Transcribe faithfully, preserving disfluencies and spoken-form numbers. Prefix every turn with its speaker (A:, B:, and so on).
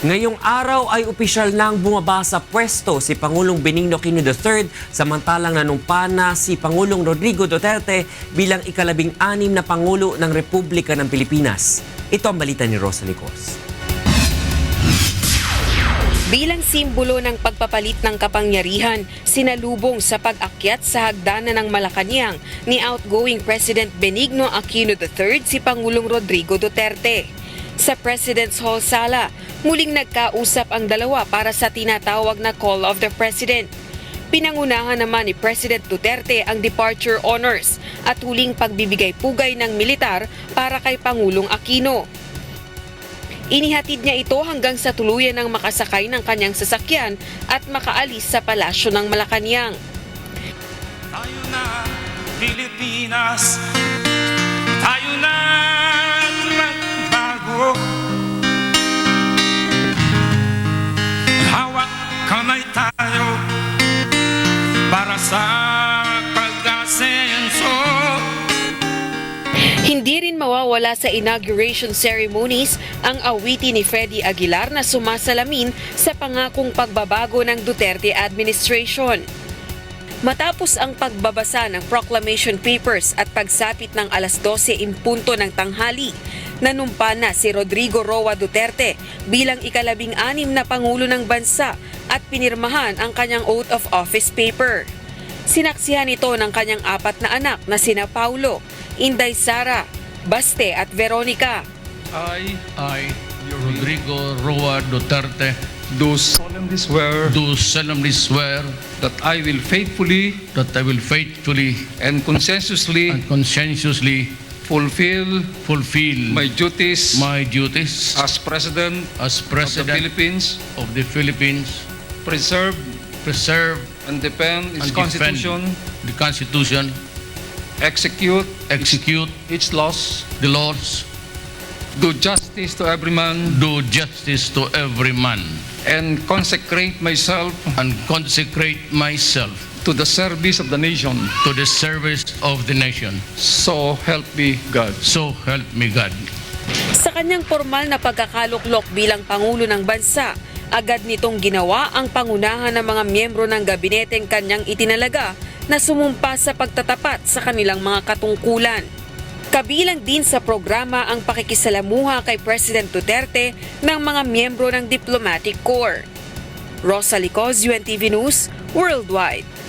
A: Ngayong araw ay opisyal nang bumaba sa pwesto si Pangulong Benigno Aquino the third samantalang nanumpa na si Pangulong Rodrigo Duterte bilang ikalabing anim na Pangulo ng Republika ng Pilipinas. Ito ang balita ni Rosalie Cos.
B: Bilang simbolo ng pagpapalit ng kapangyarihan, sinalubong sa pag-akyat sa hagdanan ng Malacanang ni outgoing President Benigno Aquino the third si Pangulong Rodrigo Duterte. Sa President's Hall Sala, muling nagkausap ang dalawa para sa tinatawag na Call of the President. Pinangunahan naman ni President Duterte ang departure honors at huling pagbibigay-pugay ng militar para kay Pangulong Aquino. Inihatid niya ito hanggang sa tuluyan ng makasakay ng kanyang sasakyan at makaalis sa palasyo ng Malacanang.
C: Tayo na, Pilipinas, tayo na magbago. Hawak kamay tayo para sa pag-asenso.
B: Hindi rin mawawala sa inauguration ceremonies ang awitin ni Freddy Aguilar na sumasalamin sa pangakong pagbabago ng Duterte administration. Matapos ang pagbabasa ng proclamation papers at pagsapit ng alas dose in punto ng tanghali, nanumpa na si Rodrigo Roa Duterte bilang ikalabing anim na Pangulo ng bansa at pinirmahan ang kanyang oath of office paper. Sinaksihan ito ng kanyang apat na anak na sina Paulo, Inday Sara, Baste at Veronica.
D: I, I, Rodrigo Roa Duterte,
E: do solemnly swear
D: do solemnly swear
E: that I will faithfully
D: that I will faithfully
E: and conscientiously
D: and conscientiously
E: fulfill
D: fulfill
E: my duties
D: my duties
E: as President
D: as
E: of the
D: President
E: Philippines,
D: of the Philippines,
E: preserve
D: preserve
E: and defend its
D: and
E: Constitution,
D: defend the Constitution,
E: execute
D: execute
E: its laws,
D: the laws,
E: do justice to every man,
D: do justice to every man,
E: and consecrate myself
D: and consecrate myself
E: to the service of the nation.
D: to the service of the nation.
E: So help me God.
D: So help me God.
B: Sa kanyang formal na pagkakaluklok bilang Pangulo ng Bansa, agad nitong ginawa ang pangunahan ng mga miyembro ng gabineteng kanyang itinalaga na sumumpa sa pagtatapat sa kanilang mga katungkulan. Kabilang din sa programa ang pakikisalamuha kay President Duterte ng mga miyembro ng Diplomatic Corps. Rosalie Cos, U N T V News, Worldwide.